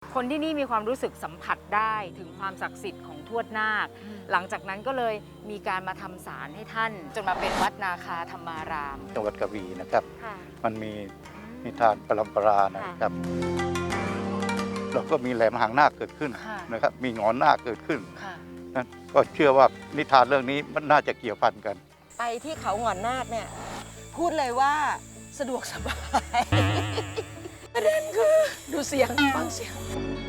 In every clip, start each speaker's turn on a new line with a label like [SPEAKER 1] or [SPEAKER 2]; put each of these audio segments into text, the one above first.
[SPEAKER 1] คนที่นี่มีความรู้สึกสัมผัสได้ถึงความศักดิ์สิทธิ์ของทวดนาคหลังจากนั้นก็เลยมีการมาทำศาลให้ท่านจนมาเป็นวัดนาคาธรรมาราม
[SPEAKER 2] จังหวัดกระบี่นะครับ
[SPEAKER 1] ค่ะ
[SPEAKER 2] มันมีนิทานปรำปรานะครับแล้วก็มีแหลมหางนาคเกิดขึ้น
[SPEAKER 1] ค่ะ
[SPEAKER 2] นะครับมีหงอนนาคเกิดขึ้น
[SPEAKER 1] ค่ะ
[SPEAKER 2] นั่นก็เชื่อว่านิทานเรื่องนี้มันน่าจะเกี่ยวพันกัน
[SPEAKER 3] ไปที่เขาหงอนนาคเนี่ยพูดเลยว่าสะดวกสบายประเด็นคือดูเสียงฟังเสียง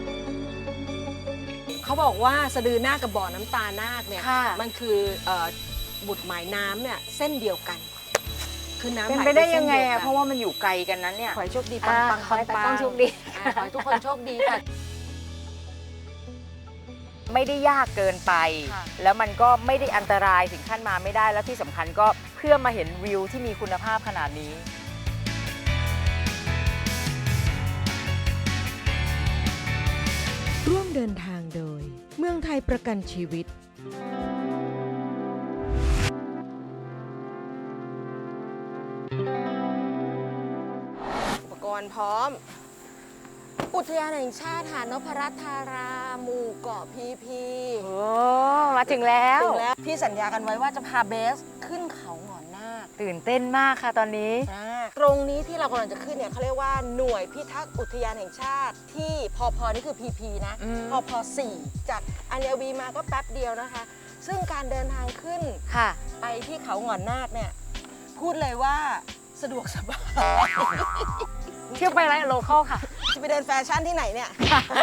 [SPEAKER 3] เขาบอกว่าสะดือนาคกับบ่อน้ำตานาคเนี่ย
[SPEAKER 1] ค่ะ
[SPEAKER 3] มันคือบุตรหมายน้ำเนี่ยเส้นเดียวกัน คือน้ำ
[SPEAKER 1] เป็น
[SPEAKER 3] หมาย
[SPEAKER 1] ไปได้
[SPEAKER 3] ส้
[SPEAKER 1] ยังไง
[SPEAKER 3] ดีว
[SPEAKER 1] อะ
[SPEAKER 3] กัน
[SPEAKER 1] เพราะว่ามันอยู่ไกลกันนั้นเนี่ย
[SPEAKER 3] ขอให้โชคดีปังปัง
[SPEAKER 1] ขอให้
[SPEAKER 3] ปัง
[SPEAKER 1] ต้องโชคดี
[SPEAKER 3] ขอให้ทุกคนโชคดีค่ะ
[SPEAKER 1] ไม่ได้ยากเกินไป
[SPEAKER 3] ค่ะ
[SPEAKER 1] แล้วมันก็ไม่ได้อันตรายถึงขั้นมาไม่ได้ แล้วที่สำคัญก็เพื่อมาเห็นวิวที่มีคุณภาพขนาดนี้
[SPEAKER 4] ร่วมเดินทางโดยเมืองไทยประกันชีวิต
[SPEAKER 3] อุปกรณ์พร้อม อุทยานแห่งชาติหาดนพรัตน์ธาราหมู่เกาะพีพี
[SPEAKER 1] โอ้มาถึงแล้ว
[SPEAKER 3] ถึงแล้วที่สัญญากันไว้ว่าจะพาเบสขึ้นเขาหงอนนาค
[SPEAKER 1] ตื่นเต้นมากค่ะตอนนี้
[SPEAKER 3] ตรงนี้ที่เรากำลังจะขึ้นเนี่ยเขาเรียกว่าหน่วยพิทักษ์อุทยานแห่งชาติที่พพนี่คือ PP นะ
[SPEAKER 1] อืม
[SPEAKER 3] พพ4จากอัญญวีมาก็แป๊บเดียวนะคะ ซึ่งการเดินทางขึ้น
[SPEAKER 1] ค่ะ
[SPEAKER 3] ไปที่เขาหงอนนาคเนี่ยพูดเลยว่าสะดวกสบาย
[SPEAKER 1] เที่ยวไปไรโลคอลค่ะ
[SPEAKER 3] จะไปเดินแฟชั่นที่ไหนเนี่ย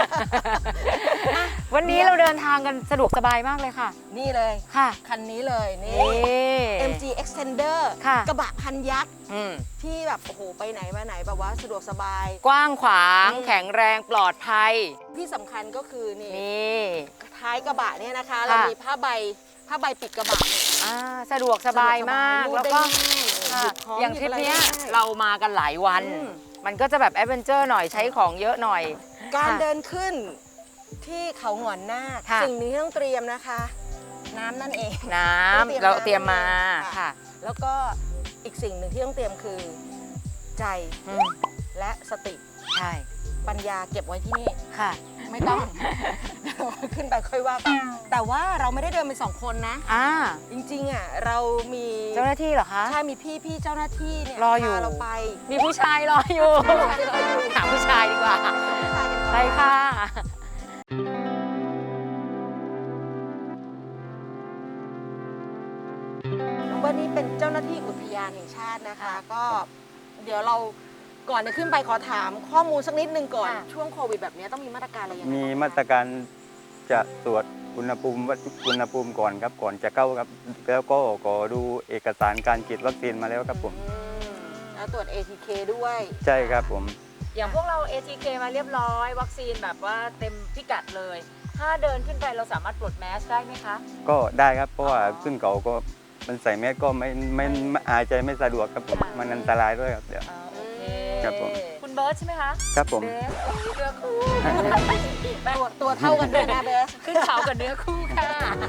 [SPEAKER 1] วันนี้เราเดินทางกันสะดวกสบายมากเลยค่ะ
[SPEAKER 3] นี่เลย
[SPEAKER 1] ค่ะ
[SPEAKER 3] คันนี้เลยนี่
[SPEAKER 1] นี่
[SPEAKER 3] MG Extender
[SPEAKER 1] ค่ะ
[SPEAKER 3] กระบะพันยักษ์
[SPEAKER 1] อืม
[SPEAKER 3] ที่แบบโอ้โหไปไหนมาไหนแบบว่าสะดวกสบาย
[SPEAKER 1] กว้างขวาง
[SPEAKER 3] อืม
[SPEAKER 1] แข็งแรงปลอดภัย
[SPEAKER 3] ที่สำคัญก็คือนี่
[SPEAKER 1] นี่
[SPEAKER 3] ท้ายกระบะเนี่ยนะคะ
[SPEAKER 1] ค่ะ
[SPEAKER 3] เรามีผ้าใบปิดกระบะเนี่ย
[SPEAKER 1] สะดวกสบายมาก
[SPEAKER 3] รูด
[SPEAKER 1] แล้ว
[SPEAKER 3] ได้
[SPEAKER 1] ก็
[SPEAKER 3] ง่าย
[SPEAKER 1] ค่ะ
[SPEAKER 3] หยิบของ
[SPEAKER 1] อย่าง
[SPEAKER 3] ห
[SPEAKER 1] ท
[SPEAKER 3] ยิ
[SPEAKER 1] ริ
[SPEAKER 3] บ
[SPEAKER 1] ป
[SPEAKER 3] อะไร
[SPEAKER 1] เนี้ย
[SPEAKER 3] ได้
[SPEAKER 1] เรามากันหลายวัน
[SPEAKER 3] อืม
[SPEAKER 1] มันก็จะแบบแอดเวนเจอร์หน่อยใช้ของเยอะหน่อย
[SPEAKER 3] การ
[SPEAKER 1] ค่ะ
[SPEAKER 3] เดินขึ้นที่เขาหงอนนาค
[SPEAKER 1] ค่ะ
[SPEAKER 3] สิ่งนี้ที่ต้องเตรียมนะคะ น้ำนั่นเอง
[SPEAKER 1] น้
[SPEAKER 3] ต้องเตรียม
[SPEAKER 1] ำเราเตรียมมา
[SPEAKER 3] ค่ะ
[SPEAKER 1] ค่ะ
[SPEAKER 3] แล้วก็อีกสิ่งหนึ่งที่ต้องเตรียมคือใจ
[SPEAKER 1] อืม
[SPEAKER 3] และสติ
[SPEAKER 1] ใช่
[SPEAKER 3] ปัญญาเก็บไว้ที่นี่
[SPEAKER 1] ค่ะ
[SPEAKER 3] ไม่ต้อง ขึ้นไปค่อยว่ากันแต่ว่าเราไม่ได้เดินเป็น2 คนนะ จริงๆอ่ะเรามี
[SPEAKER 1] เจ้าหน้าที่เหรอคะ
[SPEAKER 3] ใช่มีพี่เจ้าหน้าที่เนี่ย
[SPEAKER 1] รออยู่
[SPEAKER 3] พาเราไป
[SPEAKER 1] มีผู้ชายรออยู่ หาผู้ชายดีกว่า
[SPEAKER 3] ผู้ชายกันก่อน
[SPEAKER 1] ไปค่ะ
[SPEAKER 3] น้องเบิร์ดนี่เป็นเจ้าหน้าที่อุทยานแห่งชาตินะคะ ก็เดี๋ยวเราก่อนจะขึ้นไปขอถามข้อมูลสักนิดนึงก่อน
[SPEAKER 1] ค่ะ
[SPEAKER 3] ช่วงโควิดแบบนี้ต้องมีมาตรการอะไรอย่างไร
[SPEAKER 5] มีมาตรการจะตรวจอุณหภูมิวัดอุณหภูมิก่อนครับก่อนจะเข้าครับแล้วก็ขอดูเอกสารการฉีดวัคซีนมาแล้วครับผม
[SPEAKER 3] แล้วตรวจ ATK ด้วย
[SPEAKER 5] ใช่ครับผม
[SPEAKER 1] อย่างพวกเรา ATK มาเรียบร้อย วัคซีนแบบว่าเต็มพิกัดเลย ถ้าเดินขึ้นไปเราสามารถปลดแมสได้ไหมคะ
[SPEAKER 5] ก็ได้ครับเพราะว่า
[SPEAKER 1] อ๋อ
[SPEAKER 5] ขึ้นเขาก็มันใส่แมสก็ไม่หายใจไม่สะดวกครับผม
[SPEAKER 1] ค่ะ
[SPEAKER 5] มันอันตรายด้วยครับเดี๋ยว
[SPEAKER 1] โอเค
[SPEAKER 5] ครับผม
[SPEAKER 1] คุณเบิร์ตใช่ไหมคะ
[SPEAKER 5] ครับผม
[SPEAKER 1] เบสเนื้อคู่
[SPEAKER 3] ตัวเท่ากันด้วยนะเบส
[SPEAKER 1] ขึ้นเขากับเนื้อคู่ค่ะ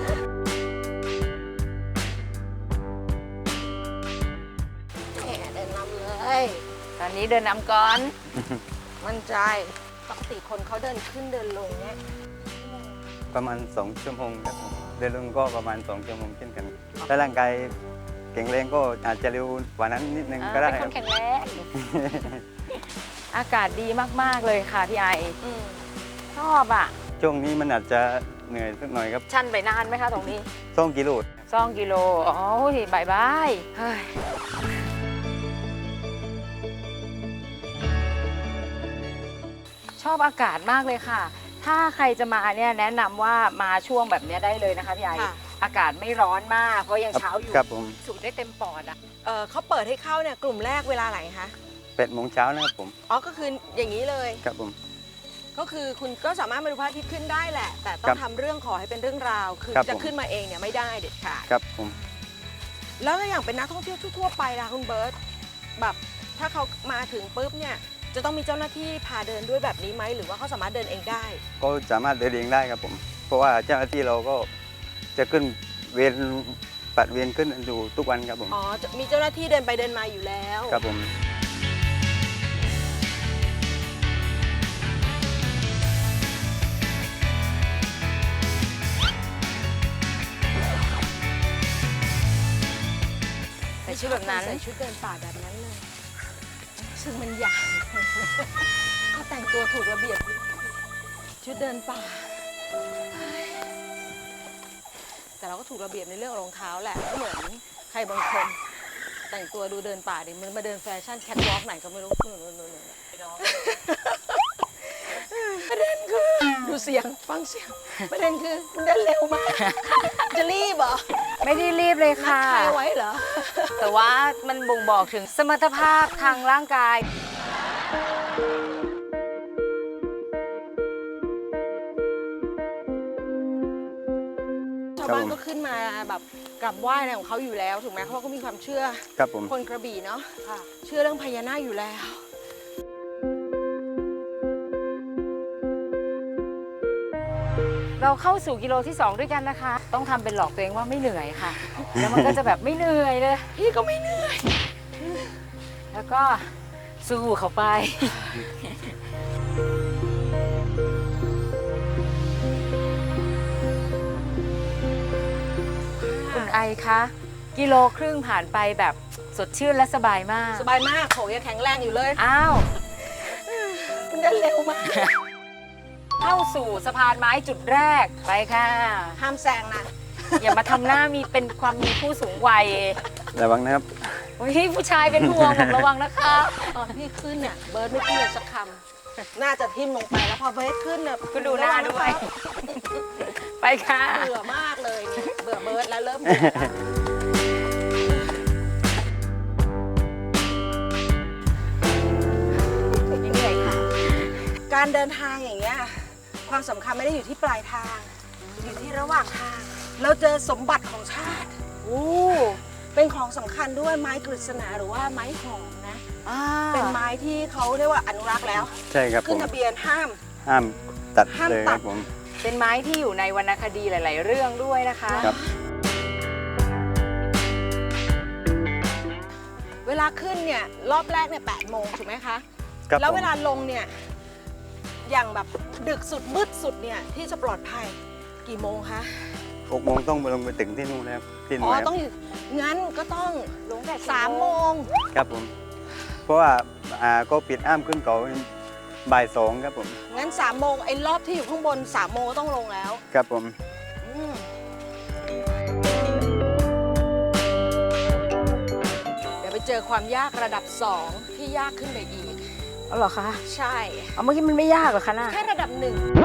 [SPEAKER 3] แหมเดินนำเลย
[SPEAKER 1] ตอนนี้เดินนำก่อน
[SPEAKER 3] มั่นใจปกติคนเขาเดินขึ้นเดินลงเนี่ย
[SPEAKER 5] ประมาณ2 ชั่วโมงครับผมเดินลงก็ประมาณ2 ชั่วโมงเช่นกันถ้าร่างกายแข็งแรงก็อาจจะเร็วกว่านั้นนิดนึงก็ได้
[SPEAKER 1] เป็น
[SPEAKER 5] ค
[SPEAKER 1] ค
[SPEAKER 5] รั
[SPEAKER 1] น
[SPEAKER 5] บ
[SPEAKER 1] แข็งแรง อากาศดีมาก ๆ เลยค่ะพี่ไอ ชอบอ่ะ
[SPEAKER 5] ช่วงนี้มันอาจจะเหนื่อยสักหน่อยครับ
[SPEAKER 1] ชันไปนานไหมคะตรงนี้
[SPEAKER 5] 2 กิโล
[SPEAKER 1] 2 กิโล อ๋อบ่ายบายเฮ้ยชอบอากาศมากเลยค่ะ ถ้าใครจะมาเนี่ยแนะนำว่ามาช่วงแบบเนี้ยได้เลยนะคะพี่ไอ
[SPEAKER 3] ค่ะ
[SPEAKER 1] อากาศไม่ร้อนมาก เพราะยังเช้าอยู่
[SPEAKER 5] ครับผม
[SPEAKER 1] สูดได้เต็มปอดอ่ะ
[SPEAKER 3] เขาเปิดให้เข้าเนี่ยกลุ่มแรกเวลาไหนคะ
[SPEAKER 5] 8 โมงเช้านะครับผม
[SPEAKER 3] อ๋อก็คืออย่างนี้เลย
[SPEAKER 5] ครับผม
[SPEAKER 3] ก็คือคุณก็สามารถมาดูพระอาทิตย์ขึ้นได้แหละ แต่ต้อ
[SPEAKER 5] ครั
[SPEAKER 3] ง
[SPEAKER 5] บ
[SPEAKER 3] ทำเรื่องขอให้เป็นเรื่องราว คือ
[SPEAKER 5] ครับ
[SPEAKER 3] จะ
[SPEAKER 5] ผม
[SPEAKER 3] ขึ้นมาเองเนี่ยไม่ได้เด็ดขาด
[SPEAKER 5] ครับผม
[SPEAKER 3] แล้วอย่างเป็นนักท่องเที่ยวทั่วๆไปล่ะคุณเบิร์ตแบบถ้าเขามาถึงปุ๊บเนี่ยจะต้องมีเจ้าหน้าที่พาเดินด้วยแบบนี้ไหมหรือว่าเขาสามารถเดินเองได้
[SPEAKER 5] ก็สามารถเดินเองได้ครับผม เพราะว่าเจ้าหน้าที่เราก็จะขึ้นเวรปัดเวรขึ้นอยู่ทุกวันครับผม
[SPEAKER 3] อ๋อมีเจ้าหน้าที่เดินไปเดินมาอยู่แล้ว
[SPEAKER 5] ครับผม
[SPEAKER 1] ชุดแบบนั้น
[SPEAKER 3] ใส่ชุดเดินป่าแบบนั้นเลยซึ่งมันใหญ่ เขาแต่งตัวถูกระเบียบชุดเดินป่า แต่เราก็ถูกระเบียบในเรื่องรองเท้าแหละก็เหมือนใครบางคนแต่งตัวดูเดินป่าดิมันมาเดินแฟชั่นแคทวอล์กไหนก็ไม่รู้ประเด็นคือดูเสียงฟังเสียงประเด็นคือมันเดินเร็วมากจะรีบเหรอ
[SPEAKER 1] ไม่ได้รีบเลย
[SPEAKER 3] นัด
[SPEAKER 1] ค่ะ
[SPEAKER 3] ใครไว้เหรอ
[SPEAKER 1] แต่ว่ามันบ่งบอกถึงสมรรถภาพทางร่างกาย
[SPEAKER 3] ชาวบ้านก็ขึ้นมาแบบกราบไหว้อะไรของเขาอยู่แล้วถูกไหมเพราะเขาก็มีความเชื่อ
[SPEAKER 5] ครับผม
[SPEAKER 3] คนกระบี่เนาะเชื่อเรื่องพญานาคอยู่แล้ว
[SPEAKER 1] เราเข้าสู่กิโลที่ 2 ด้วยกันนะคะ ต้องทำเป็นหลอกตัวเองว่าไม่เหนื่อยค่ะ แล้วมันก็จะแบบไม่เหนื่อยเลย
[SPEAKER 3] พี่ก็ไม่เหนื่อย
[SPEAKER 1] แล้วก็สู้เขาไป คุณไอคะกิโลครึ่งผ่านไปแบบสดชื่นและสบายมาก
[SPEAKER 3] สบายมากโขยังแข็งแรงอยู่เลย
[SPEAKER 1] อ้าว
[SPEAKER 3] มันเดินเร็วมาก
[SPEAKER 1] เข้าสู่สะพานไม้จุดแรกไปค่ะ
[SPEAKER 3] ห้ามแซงนะ
[SPEAKER 1] อย่ามาทำหน้ามีเป็นความมีผู้สูงวัย
[SPEAKER 5] ระวังนะครับ
[SPEAKER 1] โอ้ยผู้ชายเป็นห่วงผมระวังนะคะ
[SPEAKER 3] ตอนพี่ขึ้นเนี่ยเบิร์ดไม่พูดเลยสักคำน่าจะทิ่มลงไปแล้วพอเบิร์ดขึ้นเนี่ย
[SPEAKER 1] ก็ดูหน้าด้วย ไปค่ะ
[SPEAKER 3] เบื่อมากเลยเนี่ยเบื่อเบิร์ดแล้วเริ่มเบื่อเหนื่อยค่ะ การเดินทางอย่างเงี้ยความสำคัญไม่ได้อยู่ที่ปลายทาง อยู่ที่ระหว่างทาง เราเจอสมบัติของชาติโอ้เป็นของสำคัญด้วยไม้กฤษณาหรือว่าไม้หอมนะ เป็นไม้ที่เขาเรียกว่าอนุรักษ์แล้ว
[SPEAKER 5] ใช่ครับผ
[SPEAKER 3] ขึ้น
[SPEAKER 5] ม
[SPEAKER 3] ทะเบียนห้าม
[SPEAKER 5] ห้ามตัด
[SPEAKER 3] ห้าม
[SPEAKER 5] เลย
[SPEAKER 3] ตั
[SPEAKER 5] ค
[SPEAKER 3] ด
[SPEAKER 5] รับผม
[SPEAKER 1] เป็นไม้ที่อยู่ในวรรณคดีหลาย ๆ เรื่องด้วยนะคะ
[SPEAKER 5] ครับ
[SPEAKER 3] เวลาขึ้นเนี่ยรอบแรกเนี่ย8 โมงถูกไหมคะ
[SPEAKER 5] ครับ
[SPEAKER 3] แล้ว
[SPEAKER 5] ผม
[SPEAKER 3] เวลาลงเนี่ยอย่างแบบดึกสุดมืดสุดเนี่ยที่จะปลอดภัยกี่โมงคะ
[SPEAKER 5] 6 โมงต้องลงไปถึงที่นู่นแล้วที่ห
[SPEAKER 3] อ๋
[SPEAKER 5] น่
[SPEAKER 3] อ
[SPEAKER 5] วยครับ
[SPEAKER 3] ต้องอยู่งั้นก็ต้อง
[SPEAKER 1] ลงแต่
[SPEAKER 3] 3 โมง
[SPEAKER 5] ครับผม เพราะว่าก็ปิดอ้ามขึ้นเขาบ่าย 2ครับผม
[SPEAKER 3] งั้น3 โมงไอ้รอบที่อยู่ข้างบน3 โมงก็ต้องลงแล้ว
[SPEAKER 5] ครับผม
[SPEAKER 3] อืมเดี๋ยวไปเจอความยากระดับ 2 ที่ยากขึ้นไปอีก
[SPEAKER 1] อ๋อเหรอคะ
[SPEAKER 3] ใช่
[SPEAKER 1] เอาเมื่อกี้มันไม่ยากเหรอคะน่ะ
[SPEAKER 3] แค่ระดับ 1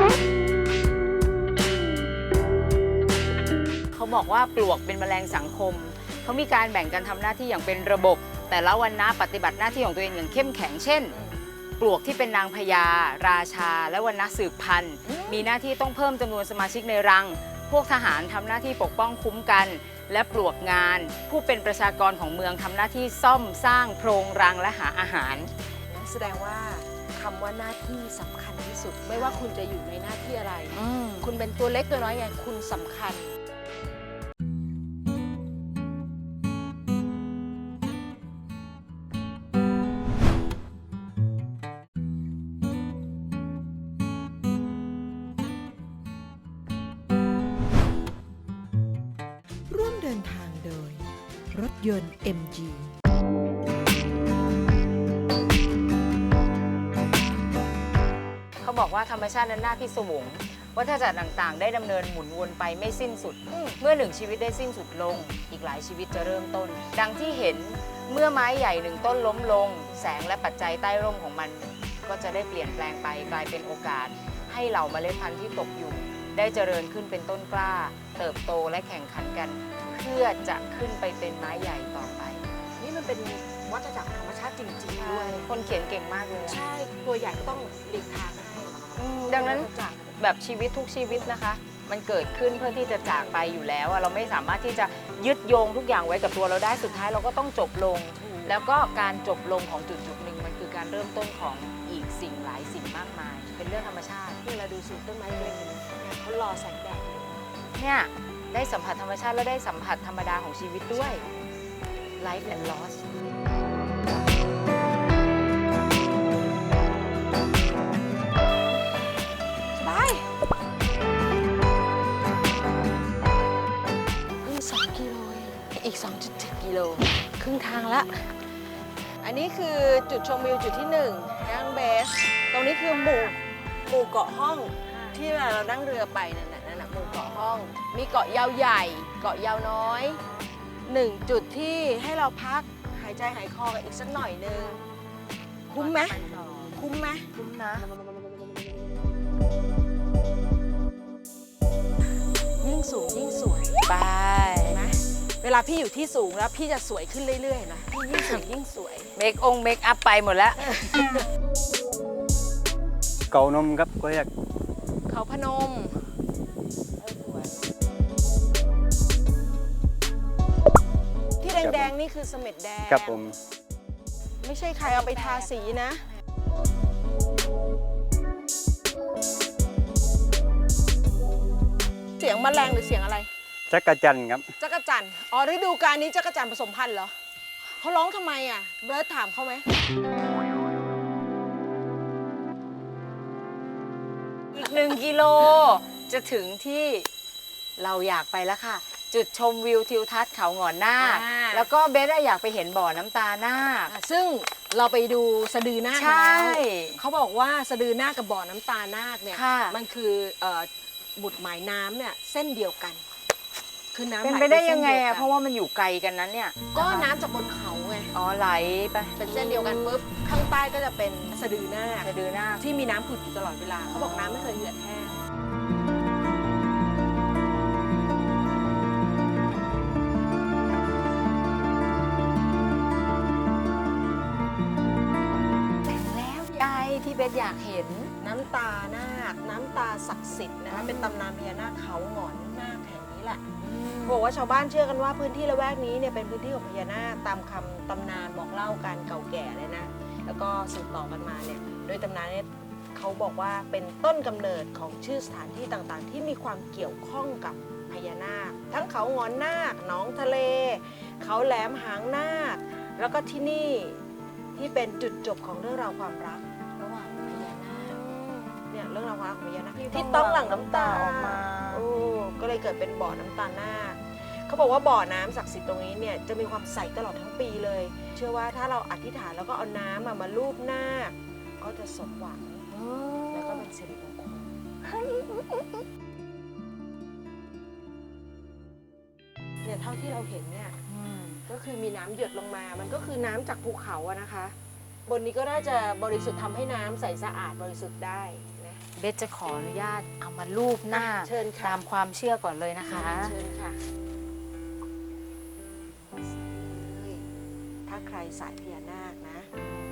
[SPEAKER 1] เขาบอกว่าปลวกเป็นแมลงสังคม เขามีการแบ่งกันทำหน้าที่อย่างเป็นระบบ แต่ละวันนะปฏิบัติหน้าที่ของตัวเองอย่างเข้มแข็ง เช่น ปลวกที่เป็นนางพญาราชา และวันนะสืบพันธุ์ มีหน้าที่ต้องเพิ่มจำนวนสมาชิกในรัง พวกทหารทำหน้าที่ปกป้องคุ้มกัน และปลวกงาน ผู้เป็นประชากรของเมืองทำหน้าที่ซ่อมสร้างโพรงรังและหาอาหาร
[SPEAKER 3] แสดงว่าคำว่าหน้าที่สำคัญที่สุด ไม่ว่าคุณจะอยู่ในหน้าที่อะไร คุณเป็นตัวเล็กตัวน้อยไงคุณสำคัญ
[SPEAKER 4] ร่วมเดินทางโดย รถยนต์ MG
[SPEAKER 1] เขาบอกว่าธรรมชาตินั้นน่าพิศวงวัฏจักรต่างๆ ได้ดำเนินหมุนวนไปไม่สิ้นสุด เมื่อหนึ่งชีวิตได้สิ้นสุดลง อีกหลายชีวิตจะเริ่มต้น ดังที่เห็นเมื่อไม้ใหญ่หนึ่งต้นล้มลง แสงและปัจจัยใต้ร่มของมัน ก็จะได้เปลี่ยนแปลงไปกลายเป็นโอกาส ให้เหล่าเมล็ดพันธุ์ที่ตกอยู่ ได้เจริญขึ้นเป็นต้นกล้า เติบโตและแข่งขันกัน เพื่อจะขึ้นไปเป็นไม้ใหญ่ต่อไป
[SPEAKER 3] นี่มันเป็นวัฏจักรธรรมชาติจริงๆด้วย
[SPEAKER 1] คนเขียนเก่งมากเลยอะ
[SPEAKER 3] ใช่ ตัวใหญ่ก็ต้องหลีกทางให้
[SPEAKER 1] ดังนั้น
[SPEAKER 3] วัฏจักร
[SPEAKER 1] แบบชีวิตทุกชีวิตนะคะ มันเกิดขึ้นเพื่อที่จะจากไปอยู่แล้วอะเราไม่สามารถที่จะยึดโยงทุกอย่างไว้กับตัวเราได้สุดท้ายเราก็ต้องจบลง แล้วก็การจบลงของจุดหนึ่งมันคือการเริ่มต้นของอีกสิ่งหลายสิ่งมากมาย เป็นเรื่องธรรมชาติ
[SPEAKER 3] นี่เราดูสิต้นไม้เล็กๆเนี่ยเขารอแสงแดดอยู่
[SPEAKER 1] เนี่ยได้สัมผัสธรรมชาติและได้สัมผัสธรรมดาของชีวิตด้วย life and loss
[SPEAKER 3] สบายนี่2 กิโลเองอีก 2.7 กิโลครึ่งทางละอันนี้คือจุดชมวิวจุดที่1ย่างเบสตรงนี้คือหมู่เกาะห้องที่เวลาเรานั่งเรือไปนั่นน่ะหมู่เกาะห้อง มีเกาะยาวใหญ่เกาะยาวน้อย1จุดที่ให้เราพักหายใจหายคอกันอีกสักหน่อยนึงคุ้มไหมคุ้มไหม
[SPEAKER 1] คุ้มนะ
[SPEAKER 3] ยิ่งสูงยิ่งสวย
[SPEAKER 1] ไป
[SPEAKER 3] นะเวลาพี่อยู่ที่สูงแล้วพี่จะสวยขึ้นเรื่อยๆนะพี่ยิ่งสูงยิ่งสวย
[SPEAKER 1] เมคอัพไปหมดแล้ว
[SPEAKER 5] เกานมครับก็เรียก
[SPEAKER 3] เขาพนมที่แดงๆนี่คือเสม็ดแดง
[SPEAKER 5] ครับผม
[SPEAKER 3] ไม่ใช่ใครเอาไปทาสีนะ เสียงแมลงหรือเสียงอะไร
[SPEAKER 5] จักรจันทร์ครับ
[SPEAKER 3] จักรจั่นอ๋อฤดูกาลนี้จักรจั่นผสมพันธุ์เหรอเขาร้องทำไมอ่ะเบิร์ดถามเขาไหม
[SPEAKER 1] อีก1 กิโลจะถึงที่เราอยากไปแล้วค่ะ จุดชมวิวทิวทัศน์เขาหงอนนาคแล้วก็เบสอยากไปเห็นบ่อน้ำตานาค
[SPEAKER 3] ซึ่งเราไปดูสะดือนาค
[SPEAKER 1] ใช่
[SPEAKER 3] แล้วเขาบอกว่าสะดือนาคกับบ่อน้ำตานาคเนี่ย
[SPEAKER 1] ค่ะ
[SPEAKER 3] มันคือบุตรหมายน้ำเนี่ยเส้นเดียวกัน คือน้ำ
[SPEAKER 1] เป็น
[SPEAKER 3] หล
[SPEAKER 1] ไปได้ยังไง
[SPEAKER 3] ส้นเวกั
[SPEAKER 1] อะ
[SPEAKER 3] น
[SPEAKER 1] เพราะว่ามันอยู่ไกลกันนั้นเนี่ย
[SPEAKER 3] ก็น้ำจากบนเขาไง
[SPEAKER 1] อ๋อไหลไป
[SPEAKER 3] เป็นเส้นเดียวกันปุ๊บข้างใต้ก็จะเป็นสะดือนาค
[SPEAKER 1] สะดือนาค
[SPEAKER 3] ที่มีน้ำผุดอยู่ตลอดเวลาเขาบอกน้ำไม่เคยเหือดแห้ง
[SPEAKER 1] แล้วยายที่เบสอยากเห็น
[SPEAKER 3] น้ำตานาคน้ำตาศักดิ์สิทธิ์นะคะเป็นตำนานพญานาคเขาหงอนนาคแห่งนี้แหละบอกว่าชาวบ้านเชื่อกันว่าพื้นที่ละแวกนี้เนี่ยเป็นพื้นที่ของพญานาคตามคำตำนานบอกเล่ากันเก่าแก่เลยนะแล้วก็สืบต่อกันมาเนี่ยโดยตำนานเนี่ยเขาบอกว่าเป็นต้นกำเนิดของชื่อสถานที่ต่างๆ ที่มีความเกี่ยวข้องกับพญานาค ทั้งเขาหงอนนาคหนองทะเล เขาแหลมหางนาคแล้วก็ที่นี่ที่เป็นจุดจบของเรื่องราวความรัก
[SPEAKER 1] ระหว่างพญานาค
[SPEAKER 3] เนี่ยเรื่องราวความรักของพญานาค
[SPEAKER 1] ที่
[SPEAKER 3] ที่ต้องหลั่งน้ำตา
[SPEAKER 1] ออกมา
[SPEAKER 3] โอ้ก็เลยเกิดเป็นบ่อน้ำตานาคเขาบอกว่าบ่อน้ำศักดิ์สิทธิ์ตรงนี้เนี่ยจะมีความใสตลอดทั้งปีเลย เชื่อว่าถ้าเราอธิษฐานแล้วก็เอาน้ำมาลูบนาคก็จะสมหวังแล้วก็เป็นสิริมงคลเนี่ยเท่าที่เราเห็นเนี่ยก็คือมีน้ำหยดลงมา มันก็คือน้ำจากภูเขาอะนะคะ บนนี้ก็น่าจะบริสุทธิ์ทำให้น้ำใสสะอาดบริสุทธิ์ได้นะ
[SPEAKER 1] เบสจะขออนุญาตเอามาลูบหน้า
[SPEAKER 3] เชิญค่ะ
[SPEAKER 1] ตามความเชื่อก่อนเลยนะคะ
[SPEAKER 3] เชิญค่ะ ถ้าใครสายพญานาคนะ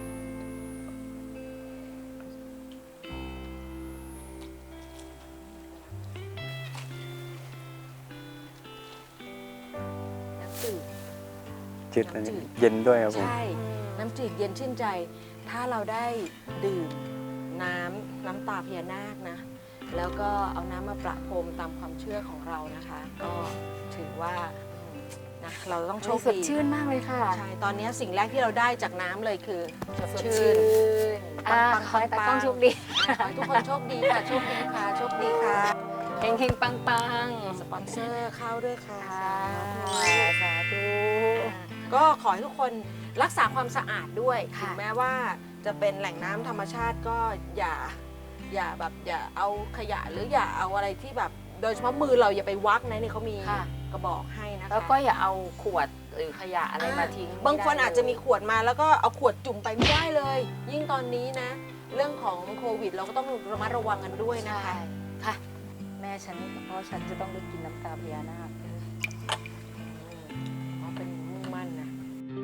[SPEAKER 3] น้ำจืด
[SPEAKER 5] จืดอันนี้เย็นด้วยครับผม
[SPEAKER 3] ใช่ น้ำจืดเย็นชื่นใจ ถ้าเราได้ดื่มน้ำตาพญานาคนะ แล้วก็เอาน้ำมาประพรมตามความเชื่อของเรานะคะ ก็ถือว่านะเราต้องโชค
[SPEAKER 1] สด
[SPEAKER 3] ดี
[SPEAKER 1] ชื่นมากเลยค่ะ
[SPEAKER 3] ใช่ ตอนนี้สิ่งแรกที่เราได้จากน้ำเลยคือสด
[SPEAKER 1] สด
[SPEAKER 3] ชื่
[SPEAKER 1] ชื่
[SPEAKER 3] น
[SPEAKER 1] นอ่าขอให้ตากล้องโชคดี
[SPEAKER 3] ขอให้ทุกคนโชคดีค่ะ โชคดีค่ะ โชคดีค่ะ
[SPEAKER 1] เฮงๆ ปัง
[SPEAKER 3] สปอนเซอร์เข้าด้วยค่ะ
[SPEAKER 1] ๆค่ะสาธุ
[SPEAKER 3] ก็ขอให้ทุกคนรักษาความสะอาดด้วย
[SPEAKER 1] ค่ะ
[SPEAKER 3] ถึงแม้ว่าจะเป็นแหล่งน้ำธรรมชาติก็อย่าเอาขยะหรืออย่าเอาอะไรที่แบบ โดยเฉพาะมือเราอย่าไปวักนะเนี่ยเขามี
[SPEAKER 1] ค่ะ
[SPEAKER 3] กระบอกให้นะคะ
[SPEAKER 1] แล้วก็อย่าเอาขวดหรือขยะอะไรมาทิ้ง
[SPEAKER 3] บางคน
[SPEAKER 1] ไได้
[SPEAKER 3] อาจจะมีขวดมาแล้วก็เอาขวดจุ่มไปไม่ได้เลย ยิ่งตอนนี้นะ เรื่องของโควิดเราก็ต้องระมัดระวังกันด้วยนะ
[SPEAKER 1] ใช่
[SPEAKER 3] คะ
[SPEAKER 1] ค่ะ แม่ฉันเพราะฉันจะต้องได้กินน้ำตาพญานาค
[SPEAKER 3] อ๋อเป็นมุ่งมั่นนะ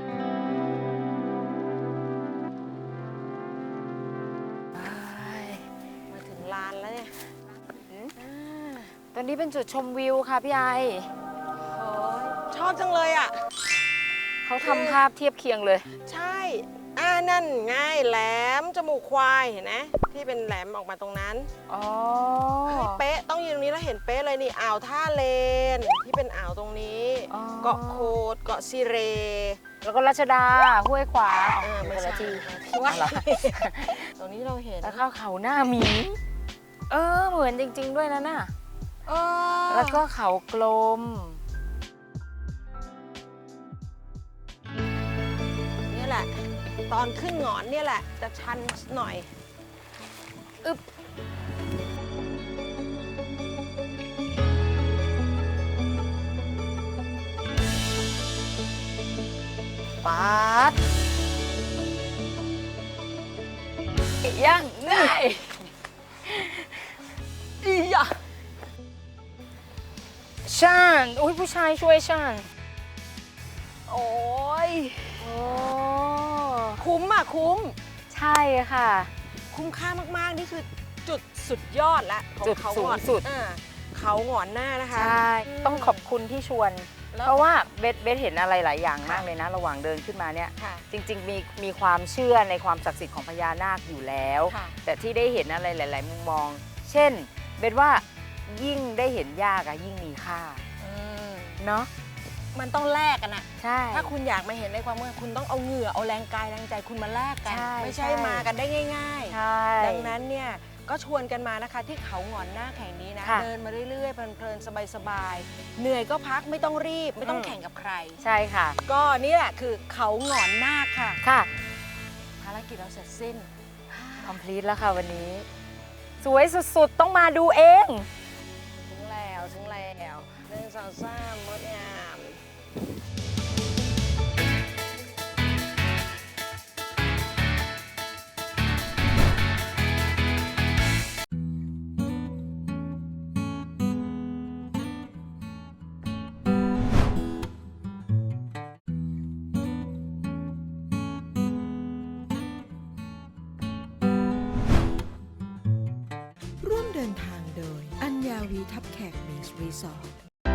[SPEAKER 3] มาถึงลานแล้วเนี่ย
[SPEAKER 1] ตอนนี้เป็นจุดชมวิวค่ะพี่ไอ
[SPEAKER 3] โอ้ยชอบจังเลยอ่ะ
[SPEAKER 1] เขาทำภาพเทียบเคียงเลย
[SPEAKER 3] ใช่ นั่นไงแหลมจมูกควายเห็นไหมที่เป็นแหลมออกมาตรงนั้น
[SPEAKER 1] อ๋อ
[SPEAKER 3] เฮ้ยเป๊ะต้องยืนตรงนี้แล้วเห็นเป๊ะเลยนี่อ่าวท่าเลนที่เป็นอ่าวตรงนี้
[SPEAKER 1] อ๋อ
[SPEAKER 3] เกาะโคดเกาะซีเร
[SPEAKER 1] แล้วก็รัชดา ห้วยขวาง
[SPEAKER 3] ไม่
[SPEAKER 1] คน
[SPEAKER 3] ใช่
[SPEAKER 1] ละที่
[SPEAKER 3] ว่า
[SPEAKER 1] อะไร
[SPEAKER 3] ตรงนี้เราเห็น
[SPEAKER 1] แล้วก็เขาหน้าหมี เหมือนจริง ๆ ด้วยนะน่ะ
[SPEAKER 3] เออ
[SPEAKER 1] แล้วก็เขากลม
[SPEAKER 3] ตอนขึ้นหงอนเนี่ยแหละจะชันหน่อย
[SPEAKER 1] อึบป๊าดย่างง่ายอีหยะช่างอุ้ยผู้ชายช่วยช่างโอ้ยโอ้
[SPEAKER 3] คุ้มอ่ะคุ้ม
[SPEAKER 1] ใช่ค่ะ
[SPEAKER 3] คุ้มค่ามากๆ นี่คือจุดสุดยอดละของ
[SPEAKER 1] จุด
[SPEAKER 3] เขา
[SPEAKER 1] สู
[SPEAKER 3] ห
[SPEAKER 1] ง
[SPEAKER 3] งอน
[SPEAKER 1] สุด
[SPEAKER 3] เขาหงอนหน้านะคะ
[SPEAKER 1] ใช่ ต้องขอบคุณที่ชวน
[SPEAKER 3] แล้ว
[SPEAKER 1] เพราะว่าเบสเห็นอะไรหลายอย่างมากเลยนะ ระหว่างเดินขึ้นมาเนี่ย
[SPEAKER 3] ค่ะ
[SPEAKER 1] จริงๆมีความเชื่อในความศักดิ์สิทธิ์ของพญานาคอยู่แล้ว
[SPEAKER 3] ค่ะ
[SPEAKER 1] แต่ที่ได้เห็นอะไรหลาย ๆ มุมมอง เช่นเบสว่ายิ่งได้เห็นยากอะยิ่งมีค่าเนาะ
[SPEAKER 3] มันต้องแลกกันอะ
[SPEAKER 1] ใช่
[SPEAKER 3] ถ้าคุณอยากมาเห็นในความเมื่อคุณต้องเอาเหงื่อเอาแรงกายแรงใจคุณมาแลกกัน
[SPEAKER 1] ใช่
[SPEAKER 3] ไม่ใช่
[SPEAKER 1] ใช่
[SPEAKER 3] มากันได้ง่าย
[SPEAKER 1] ใช่
[SPEAKER 3] ๆ ดังนั้นเนี่ยก็ชวนกันมานะคะที่เขาหงอนหน้าแห่งนี้นะ
[SPEAKER 1] ค่ะ
[SPEAKER 3] เดินมาเรื่อยๆเพลินๆสบายๆเหนื่อยก็พักไม่ต้องรีบไม่ต้อง
[SPEAKER 1] อืม
[SPEAKER 3] แข่งกับใคร
[SPEAKER 1] ใช่ค่ะ
[SPEAKER 3] ก็นี่แหละคือเขาหงอนหน้าค่ะ
[SPEAKER 1] ค่ะ
[SPEAKER 3] ภารกิจเราเสร็จสิ้น
[SPEAKER 1] complete แล้วค่ะวันนี้ สวยสุด ๆ ต้องมาดูเอง
[SPEAKER 3] ถึงแล้ว1 2 3งดงาม
[SPEAKER 4] ร่วมเดินทางโดยอัญญาวีทับแขกเบสรีสอร์ท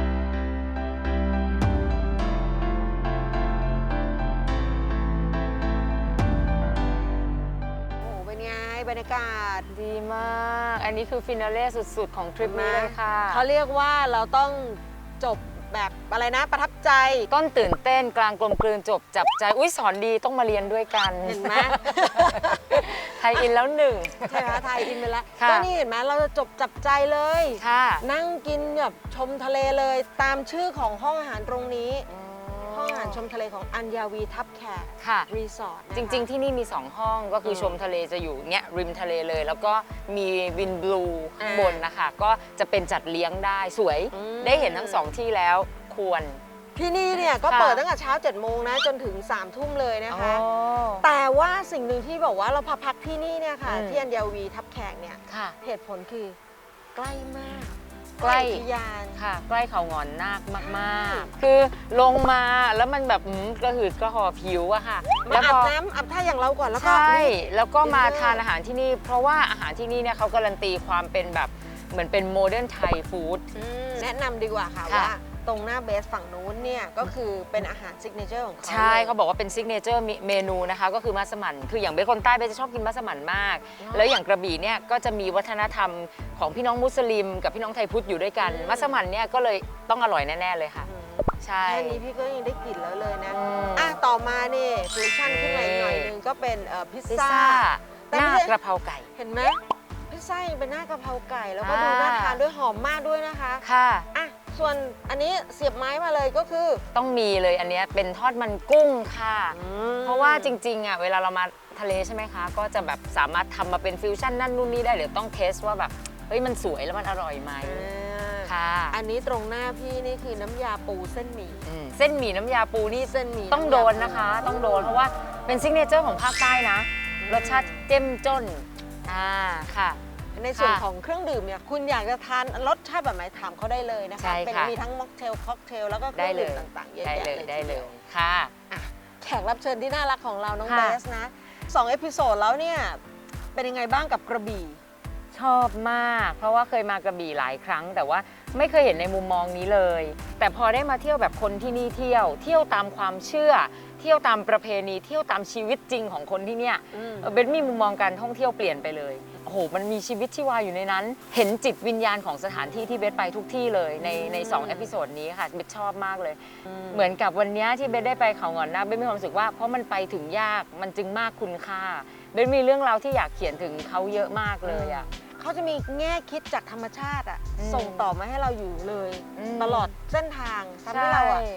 [SPEAKER 3] โอ้โหเป็นไงบรรยากาศ
[SPEAKER 1] ดีมาก อันนี้คือฟินาเล่สุด ๆ ของทริปนี้เลยค่ะ
[SPEAKER 3] เขาเรียกว่าเราต้องจบแบบอะไรนะประทับใจ
[SPEAKER 1] ต้นตื่นเต้นกลางกลมกลืนจบจับใจ อุ้ยสอนดีต้องมาเรียนด้วยกัน
[SPEAKER 3] เห็นไหม
[SPEAKER 1] ไทยอินแล้วหนึ่ง
[SPEAKER 3] ใช่ไหมคะไทยอินไปแล้ว
[SPEAKER 1] ค่ะ
[SPEAKER 3] ก็นี่เห็นไหมเราจะจบจับใจเลย
[SPEAKER 1] ค่ะ
[SPEAKER 3] นั่งกินแบบชมทะเลเลยตามชื่อของห้องอาหารตรงนี้ ห้องอาหารชมทะเลของอัญญาวีทับแขก
[SPEAKER 1] ค่ะ
[SPEAKER 3] รีสอร์ทนะคะ
[SPEAKER 1] จริง ๆ ที่นี่มี 2 ห้องก็คือชมทะเลจะอยู่เนี่ยริมทะเลเลย แล้วก็มีวินบลูข้างบนนะคะ ก็จะเป็นจัดเลี้ยงได้สวย ได้เห็นทั้ง 2 ที่แล้วควร
[SPEAKER 3] ที่นี่เนี่ยก็
[SPEAKER 1] ค่ะ
[SPEAKER 3] เปิดตั้งแต่เช้า7 โมงนะจนถึง3 ทุ่มเลยนะคะ
[SPEAKER 1] อ๋อ
[SPEAKER 3] แต่ว่าสิ่งหนึ่งที่บอกว่าเราพักที่นี่เนี่ยค่ะ
[SPEAKER 1] อืม
[SPEAKER 3] ที่อัญญาวีทับแขกเนี่ย
[SPEAKER 1] ค่ะ
[SPEAKER 3] เหตุผลคือใกล้มาก
[SPEAKER 1] ใกล้
[SPEAKER 3] อุทยาน
[SPEAKER 1] ค่ะ ใกล้เขางอนนาคมาก ๆ คือลงมาแล้วมันแบบกระหืดกระหอบผิวอะค่ะ
[SPEAKER 3] มา
[SPEAKER 1] แล้ว
[SPEAKER 3] อา
[SPEAKER 1] พ
[SPEAKER 3] บ
[SPEAKER 1] อ
[SPEAKER 3] น้ำอาบท่าอย่างเราก่อนแล้วก็
[SPEAKER 1] ใช่ แล้วก็มา
[SPEAKER 3] ดินเนอร์
[SPEAKER 1] ทานอาหารที่นี่ เพราะว่าอาหารที่นี่เนี่ยเขาการันตีความเป็นแบบเหมือนเป็นโมเดิร์นไทยฟู้ด
[SPEAKER 3] แนะนำดีกว่าค่ะ
[SPEAKER 1] ค่ะ
[SPEAKER 3] ว่าตรงหน้าเบสฝั่งนู้นเนี่ยก็คือเป็นอาหารซิกเนเจอร์ของเขา
[SPEAKER 1] ใช่
[SPEAKER 3] ลย
[SPEAKER 1] เขาบอกว่าเป็นซิกเนเจอร์เมนูนะคะ ก็คือมัสมั่นคืออย่างเบสคนใต้เบสจะชอบกินมัสมั่นมาก แล้วอย่างกระบี่เนี่ยก็จะมีวัฒนธรรมของพี่น้องมุสลิม กับพี่น้องไทยพุทธอยู่ด้วยกัน มัสมั่นเนี่ยก็เลยต้องอร่อยแน่ ๆ เลยค่ะ
[SPEAKER 3] อืม
[SPEAKER 1] ใช่
[SPEAKER 3] แค่นี้พี่ก็ยังได้กลิ่นแล้วเลยนะ
[SPEAKER 1] อืม
[SPEAKER 3] ต่อมานี่ฟิวชั่นขึ้นมาอีกหน่อยนึงก็เป็นพิซ
[SPEAKER 1] พิซ
[SPEAKER 3] ซ่า
[SPEAKER 1] ซ่า
[SPEAKER 3] แต่
[SPEAKER 1] หน้า
[SPEAKER 3] ไม่ใช่
[SPEAKER 1] กระเพราไก่
[SPEAKER 3] เห็นไหมพิซซ่ายังเป็นหน้ากะเพราไก่ แล้วก็
[SPEAKER 1] อ่า
[SPEAKER 3] ดูน่าทานด้วยหอมมากด้วยนะคะ
[SPEAKER 1] ค่ะ
[SPEAKER 3] ส่วนอันนี้เสียบไม้มาเลยก็คือ
[SPEAKER 1] ต้องมีเลยอันเนี้ยเป็นทอดมันกุ้งค่ะ เพราะว่าจริงๆอ่ะเวลาเรามาทะเลใช่ไหมคะ ก็จะแบบสามารถทำมาเป็นฟิวชั่นนั่นนู่นนี่ได้เดี๋ยวต้องเทสว่าแบบเฮ้ยมันสวยแล้วมันอร่อยไหม ค่ะ
[SPEAKER 3] อันนี้ตรงหน้าพี่นี่คือน้ำยาปูเส้นหมี่
[SPEAKER 1] เส้นหมี่น้ำยาปูนี่
[SPEAKER 3] เส้นหมี่
[SPEAKER 1] ต้องโดนนะคะ ต้องโดนเพราะว่าเป็นซิกเนเจอร์ของภาคใต้นะ รสชาติเจ้มจ้นค่ะ
[SPEAKER 3] ในส่วน
[SPEAKER 1] ค่ะ
[SPEAKER 3] ของเครื่องดื่มเนี่ยคุณอยากจะทานรสชาติแบบไหนถามเขาได้เลยนะคะ
[SPEAKER 1] ใช่ค่ะ
[SPEAKER 3] มีทั้งม็อกเทลค็อกเทลแล้วก็เค
[SPEAKER 1] ได้
[SPEAKER 3] รื่อง
[SPEAKER 1] เล
[SPEAKER 3] ดื่ม
[SPEAKER 1] ย
[SPEAKER 3] ต่างๆเยอะ
[SPEAKER 1] ได้
[SPEAKER 3] แยะ
[SPEAKER 1] เลย
[SPEAKER 3] เลย
[SPEAKER 1] ได้
[SPEAKER 3] ที
[SPEAKER 1] เล
[SPEAKER 3] เดีย
[SPEAKER 1] ยว ค่ะ
[SPEAKER 3] แขกรับเชิญที่น่ารักของเราน้อง
[SPEAKER 1] ค่ะ
[SPEAKER 3] เบสนะ2 เอพิโซดแล้วเนี่ยเป็นยังไงบ้างกับกระบี่
[SPEAKER 1] ชอบมาก เพราะว่าเคยมากระบี่หลายครั้ง แต่ว่าไม่เคยเห็นในมุมมองนี้เลย แต่พอได้มาเที่ยวแบบคนที่นี่เที่ยวตามความเชื่อ เที่ยวตามประเพณีเที่ยวตามชีวิตจริงของคนที่เนี่ยเบนมีมุมมองการท่องเที่ยวเปลี่ยนไปเลยโอ้โหมันมีชีวิตชีวาอยู่ในนั้น เห็นจิตวิญญาณของสถานที่ที่เบสไปทุกที่เลยใน2 เอพิโซดนี้ค่ะเบสชอบมากเลย เหมือนกับวันนี้ที่เบสได้ไปเขาหงอนนาคเบสมีความรู้สึกว่าเพราะมันไปถึงยากมันจึงมากคุณค่าเบสมีเรื่องราวที่อยากเขียนถึงเขาเยอะมากเลยอ่ะ
[SPEAKER 3] เขาจะมีแง่คิดจากธรรมชาติอะ
[SPEAKER 1] อืม
[SPEAKER 3] ส่งต่อมาให้เราอยู่เลย
[SPEAKER 1] อืม
[SPEAKER 3] ตลอดเส้นทางทำให้เราอะ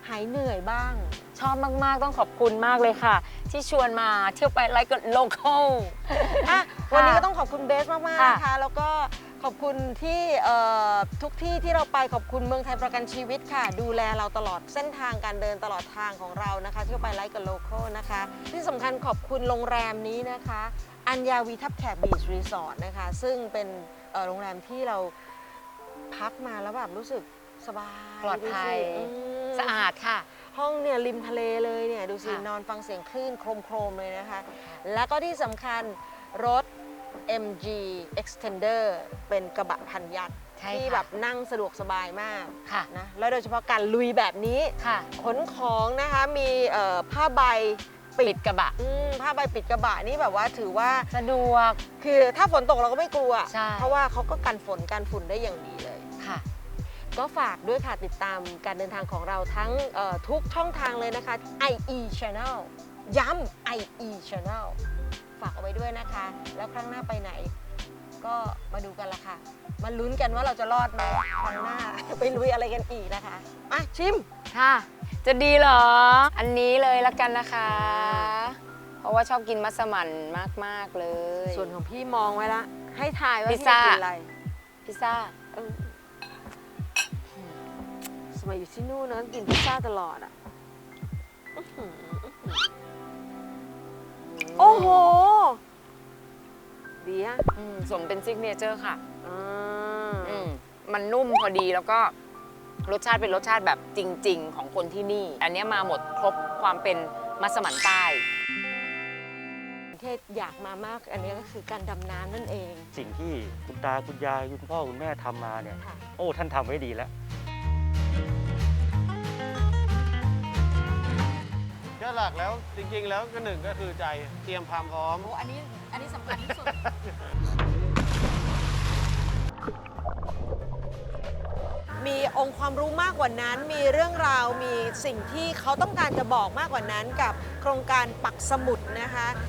[SPEAKER 3] หายเหนื่อยบ้าง
[SPEAKER 1] ชอบมากๆต้องขอบคุณมากเลยค่ะ ที่ชวนมาเที่ยวไปไลฟ์กับโลคอล
[SPEAKER 3] อ่ะวันนี้ก็ต้องขอบคุณเบสมากๆ
[SPEAKER 1] ค่ะ
[SPEAKER 3] นะคะ แล้วก็ขอบคุณที่ทุกที่ที่เราไปขอบคุณเมืองไทยประกันชีวิตค่ะ ดูแลเราตลอดเส้นทางการเดินตลอดทางของเรานะคะเที่ยวไปไลฟ์กับโลคอลนะคะ ที่สำคัญขอบคุณโรงแรมนี้นะคะ อัญญาวีทับแขกบีชรีสอร์ทนะคะ ซึ่งเป็นโรงแรมที่เราพักมาแล้วแบบรู้สึกสบาย
[SPEAKER 1] ปลอดภัย
[SPEAKER 3] ดูสิอืม
[SPEAKER 1] สะอาดค่ะ
[SPEAKER 3] ห้องเนี่ยริมทะเลเลยเนี่ยดูสิ
[SPEAKER 1] ค่ะ
[SPEAKER 3] นอนฟังเสียงคลื่นโครมๆเลยนะคะ แล้วก็ที่สำคัญรถ MG Extender เป็นกระบะพันยักษ์
[SPEAKER 1] ใช่
[SPEAKER 3] ที่
[SPEAKER 1] ค่ะ
[SPEAKER 3] แบบนั่งสะดวกสบายมาก
[SPEAKER 1] ค่ะ
[SPEAKER 3] นะแล้วโดยเฉพาะการลุยแบบนี้
[SPEAKER 1] ค่ะ
[SPEAKER 3] ขนของนะคะมีผ้าใบ
[SPEAKER 1] ปิดกระบะ
[SPEAKER 3] ผ้าใบปิดกระบะนี่แบบว่าถือว่า
[SPEAKER 1] สะดวก
[SPEAKER 3] คือถ้าฝนตกเราก็ไม่กลัว
[SPEAKER 1] ใช่
[SPEAKER 3] เพราะว่าเขาก็กันฝนกันฝุ่นได้อย่างดีเลย
[SPEAKER 1] ค่ะ
[SPEAKER 3] ก็ฝากด้วยค่ะติดตามการเดินทางของเราทั้งทุกช่องทางเลยนะคะ IE Channel ย้ำ IE Channel ฝากเอาไว้ด้วยนะคะ แล้วครั้งหน้าไปไหน ก็มาดูกันละค่ะ มาลุ้นกันว่าเราจะรอดไหมครั้งหน้า ไปลุยอะไรกันอีกนะคะมาชิม
[SPEAKER 1] ค่ะ จะดีเหรอ อันนี้เลยละกันนะคะ เพราะว่าชอบกินมัสมั่นมาก ๆ เลย
[SPEAKER 3] ส่วนของพี่มองไว้ละ ให้ทายว่า
[SPEAKER 1] พิซ
[SPEAKER 3] พี่
[SPEAKER 1] ซ่า
[SPEAKER 3] จะกินอะไร
[SPEAKER 1] พิซซ่า
[SPEAKER 3] เออสมัยอยู่ที่นู่นนะกินพิซซ่าตลอดอ่ะอื้อหือโอ้โห ดีอะ
[SPEAKER 1] สมเป็นซิกเนเจอร์ค่ะ
[SPEAKER 3] อ่า
[SPEAKER 1] มันนุ่มพอดีแล้วก็รสชาติเป็นรสชาติแบบจริง ๆ ของคนที่นี่ อันเนี้ยมาหมดครบความเป็นมัสมั่นใต้
[SPEAKER 3] เทศอยากมามาก อันนี้ก็คือการดำน้ำนั่นเอง
[SPEAKER 6] สิ่งที่คุณตาคุณยายคุณพ่อคุณแม่ทำมาเนี่ย
[SPEAKER 3] ค่ะ
[SPEAKER 6] โอ้ท่านทำไว้ดีแล้ว
[SPEAKER 7] ก็หลักแล้วจริงๆ แล้วก็หนึ่งก็คือใจเตรียมความพร้อม
[SPEAKER 1] โอ้อันนี้สำคัญที่สุด
[SPEAKER 3] มีองค์ความรู้มากกว่านั้น มีเรื่องราว มีสิ่งที่เขาต้องการจะบอกมากกว่านั้นกับโครงการปักสมุดนะคะ